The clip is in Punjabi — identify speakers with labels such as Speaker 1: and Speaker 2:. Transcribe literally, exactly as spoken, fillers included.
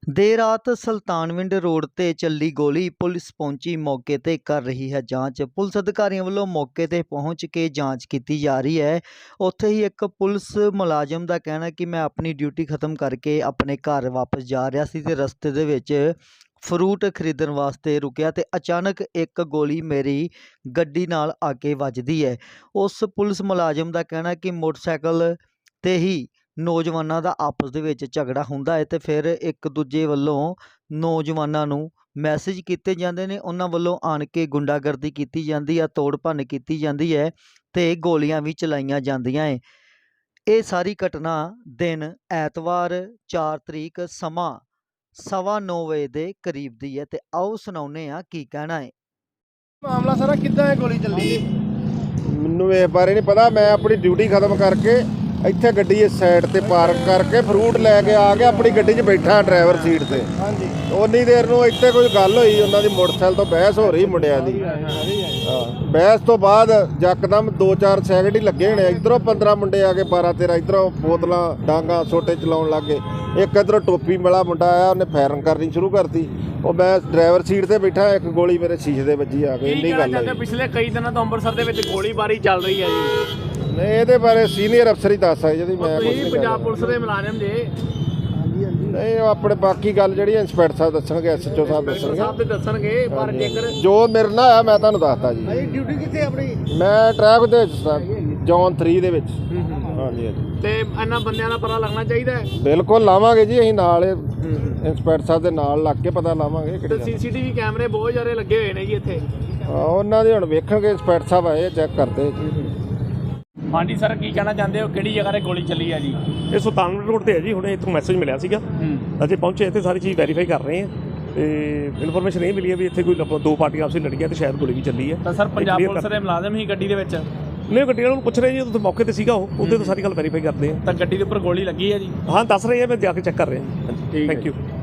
Speaker 1: देर रात सुल्तानविंड रोड ते ਚੱਲੀ ਗੋਲੀ ਪੁਲਿਸ ਪਹੁੰਚੀ ਮੌਕੇ ਤੇ ਕਰ ਰਹੀ ਹੈ ਜਾਂਚ। ਪੁਲਿਸ ਅਧਿਕਾਰੀਆਂ ਵੱਲੋਂ ਮੌਕੇ ਤੇ ਪਹੁੰਚ ਕੇ ਜਾਂਚ ਕੀਤੀ ਜਾ ਰਹੀ ਹੈ। ਉੱਥੇ ਹੀ ਇੱਕ ਪੁਲਿਸ ਮੁਲਾਜ਼ਮ ਦਾ ਕਹਿਣਾ ਕਿ ਮੈਂ ਆਪਣੀ ਡਿਊਟੀ ਖਤਮ ਕਰਕੇ ਆਪਣੇ ਘਰ ਵਾਪਸ ਜਾ ਰਿਹਾ ਸੀ ਤੇ ਰਸਤੇ ਦੇ ਵਿੱਚ ਫਰੂਟ ਖਰੀਦਣ ਵਾਸਤੇ ਰੁਕਿਆ ਤੇ ਅਚਾਨਕ ਇੱਕ ਗੋਲੀ ਮੇਰੀ ਗੱਡੀ ਨਾਲ ਆ ਕੇ ਵੱਜਦੀ ਹੈ। ਉਸ ਪੁਲਿਸ ਮੁਲਾਜ਼ਮ ਦਾ ਕਹਿਣਾ ਕਿ ਮੋਟਰਸਾਈਕਲ ਤੇ ਹੀ ਨੌਜਵਾਨਾਂ ਦਾ ਆਪਸ ਦੇ ਵਿੱਚ ਝਗੜਾ ਹੁੰਦਾ ਹੈ ਤੇ ਫਿਰ ਇੱਕ ਦੂਜੇ ਵੱਲੋਂ ਨੌਜਵਾਨਾਂ ਨੂੰ ਮੈਸੇਜ ਕੀਤੇ ਜਾਂਦੇ ਨੇ, ਉਹਨਾਂ ਵੱਲੋਂ ਆਣ ਕੇ ਗੁੰਡਾਗਰਦੀ ਕੀਤੀ ਜਾਂਦੀ ਆ, ਤੋੜ ਭੰਨ ਕੀਤੀ ਜਾਂਦੀ ਹੈ ਤੇ ਗੋਲੀਆਂ ਵੀ ਚਲਾਈਆਂ ਜਾਂਦੀਆਂ ਹੈ। ਇਹ ਸਾਰੀ ਘਟਨਾ ਦਿਨ ਐਤਵਾਰ ਚਾਰ ਤਰੀਕ ਸਮਾਂ ਸਵਾ ਨੌ ਵਜੇ ਦੇ ਕਰੀਬ ਦੀ ਹੈ ਤੇ ਆਓ ਸੁਣਾਉਂਦੇ ਆ ਕੀ ਕਹਿਣਾ ਹੈ।
Speaker 2: ਮਾਮਲਾ ਸਾਰਾ ਕਿੱਦਾਂ ਹੈ ਗੋਲੀ ਚੱਲੀ?
Speaker 3: ਮੈਨੂੰ ਇਹ ਬਾਰੇ ਨਹੀਂ ਪਤਾ। ਮੈਂ ਆਪਣੀ ਡਿਊਟੀ ਖਤਮ ਕਰਕੇ ਇੱਥੇ ਗੱਡੀ ਇਸ ਸਾਈਡ ਤੇ ਪਾਰਕ ਕਰਕੇ ਫਰੂਟ ਲੈ ਕੇ ਆ ਕੇ ਆਪਣੀ ਗੱਡੀ 'ਚ ਬੈਠਾ ਡਰਾਈਵਰ ਸੀਟ ਤੇ।
Speaker 2: ਹਾਂਜੀ।
Speaker 3: ਉਨੀ ਦੇਰ ਨੂੰ ਇੱਥੇ ਕੋਈ ਗੱਲ ਹੋਈ, ਉਹਨਾਂ ਦੀ ਮੋਟਰਸਾਈਕਲ ਤੋਂ ਬਹਿਸ ਹੋ ਰਹੀ ਮੁੰਡਿਆਂ ਦੀ। ਹਾਂ, ਬਹਿਸ ਤੋਂ ਬਾਅਦ ਯਕਦਮ ਦੋ ਚਾਰ ਸੈਕਿੰਡ ਹੀ ਲੱਗੇ ਹੋਣੇ, ਇੱਧਰੋਂ ਪੰਦਰਾਂ ਮੁੰਡੇ ਆ ਕੇ ਬਾਰਾਂ ਤੇਰਾਂ ਇੱਧਰੋਂ ਬੋਤਲਾਂ ਡਾਂਗਾ ਛੋਟੇ ਚਲਾਉਣ ਲੱਗ ਗਏ। ਇੱਕ ਇੱਧਰੋਂ ਟੋਪੀ ਵਾਲਾ ਮੁੰਡਾ ਆਇਆ, ਉਹਨੇ ਫਾਇਰਿੰਗ ਕਰਨੀ ਸ਼ੁਰੂ ਕਰਤੀ। ਉਹ ਮੈਂ ਡਰਾਈਵਰ ਸੀਟ ਤੇ ਬੈਠਾ, ਇੱਕ ਗੋਲੀ ਮੇਰੇ ਸ਼ੀਸ਼ੇ ਦੇ ਵੱਜੀ ਆ ਕੇ। ਇੰਨੀ ਗੱਲ ਹੈ।
Speaker 2: ਪਿਛਲੇ ਕਈ ਦਿਨਾਂ ਤੋਂ ਅੰਮ੍ਰਿਤਸਰ ਦੇ ਵਿੱਚ ਗੋਲੀਬਾਰੀ ਚੱਲ ਰਹੀ ਹੈ ਜੀ।
Speaker 3: ਨਹੀਂ, ਇਹਦੇ ਬਾਰੇ ਸੀਨੀਅਰ ਅਫਸਰ ਹੀ ਦੱਸ ਸਕਦੇ ਜੀ, ਮੈਂ ਕੁਝ ਨਹੀਂ।
Speaker 2: ਪੰਜਾਬ ਪੁਲਿਸ ਦੇ ਮੁਲਾਜ਼ਮ ਜੇ
Speaker 3: ਨਹੀਂ, ਉਹ ਆਪਣੇ ਬਾਕੀ ਗੱਲ ਜਿਹੜੀ ਇੰਸਪੈਕਟਰ ਸਾਹਿਬ ਦੱਸਣਗੇ, ਐਸ ਐਚ ਓ ਸਾਹਿਬ ਦੱਸਣਗੇ।
Speaker 2: ਸਾਹਿਬ ਤੇ ਦੱਸਣਗੇ, ਪਰ ਜੇਕਰ
Speaker 3: ਜੋ ਮੇਰੇ ਨਾਲ ਆ ਮੈਂ ਤੁਹਾਨੂੰ ਦੱਸਤਾ ਜੀ।
Speaker 2: ਡਿਊਟੀ ਕਿੱਥੇ ਆਪਣੀ?
Speaker 3: ਮੈਂ ਟਰੈਕ ਦੇ ਜ਼ੋਨ ਥ੍ਰੀ ਦੇ ਵਿੱਚ। ਹਾਂਜੀ ਹਾਂਜੀ।
Speaker 2: ਤੇ ਇਹਨਾਂ ਬੰਦਿਆਂ ਦਾ ਪਤਾ ਲੱਗਣਾ ਚਾਹੀਦਾ ਹੈ।
Speaker 3: ਬਿਲਕੁਲ ਲਾਵਾਂਗੇ ਜੀ, ਅਸੀਂ ਨਾਲ ਇੰਸਪੈਕਟਰ ਸਾਹਿਬ ਦੇ ਨਾਲ ਲੱਗ ਕੇ ਪਤਾ ਲਾਵਾਂਗੇ।
Speaker 2: ਤੇ ਸੀਸੀਟੀਵੀ ਕੈਮਰੇ ਬਹੁਤ ਜ਼ਿਆਦਾ ਲੱਗੇ ਹੋਏ ਨੇ ਜੀ ਇੱਥੇ।
Speaker 3: ਉਹਨਾਂ ਦੇ ਹੁਣ ਵੇਖਣਗੇ, ਇੰਸਪੈਕਟਰ ਸਾਹਿਬ ਆਏ ਚੈੱਕ ਕਰਦੇ।
Speaker 2: ਹਾਂਜੀ ਸਰ, ਕੀ ਕਹਿਣਾ ਚਾਹੁੰਦੇ ਹੋ? ਕਿਹੜੀ ਜਗ੍ਹਾ 'ਤੇ ਗੋਲੀ ਚੱਲੀ ਹੈ ਜੀ?
Speaker 4: ਇਹ ਸੁਲਤਾਨਪੁਰ ਰੋਡ 'ਤੇ ਹੈ ਜੀ। ਹੁਣੇ ਇੱਥੋਂ ਮੈਸੇਜ ਮਿਲਿਆ ਸੀਗਾ, ਅਸੀਂ ਪਹੁੰਚੇ ਇੱਥੇ, ਸਾਰੀ ਚੀਜ਼ ਵੈਰੀਫਾਈ ਕਰ ਰਹੇ ਹਾਂ ਤੇ ਇਨਫੋਰਮੇਸ਼ਨ ਇਹ ਮਿਲੀ ਹੈ ਵੀ ਇੱਥੇ ਕੋਈ ਦੋ ਪਾਰਟੀਆਂ ਆਪਸ ਵਿੱਚ ਲੜੀਆਂ ਤੇ ਸ਼ਾਇਦ ਗੋਲੀ ਵੀ ਚੱਲੀ ਹੈ।
Speaker 2: ਤਾਂ ਸਰ ਪੰਜਾਬ ਪੁਲਿਸ ਦੇ ਮੁਲਾਜ਼ਮ ਹੀ ਗੱਡੀ ਦੇ ਵਿੱਚ?
Speaker 4: ਨਹੀਂ, ਗੱਡੀ ਵਾਲੇ ਨੂੰ ਪੁੱਛ ਰਹੇ ਜੀ, ਉੱਥੇ ਮੌਕੇ ਤੇ ਸੀਗਾ ਉਹ, ਉਹਦੇ ਤੋਂ ਸਾਰੀ ਗੱਲ ਵੈਰੀਫਾਈ ਕਰਦੇ ਆ।
Speaker 2: ਤਾਂ ਗੱਡੀ ਦੇ ਉੱਪਰ ਗੋਲੀ ਲੱਗੀ ਹੈ ਜੀ?
Speaker 4: ਹਾਂ, ਦੱਸ ਰਹੇ ਆ, ਮੈਂ ਜਾ ਕੇ ਚੈੱਕ ਕਰ ਰਿਹਾ ਜੀ। Thank you.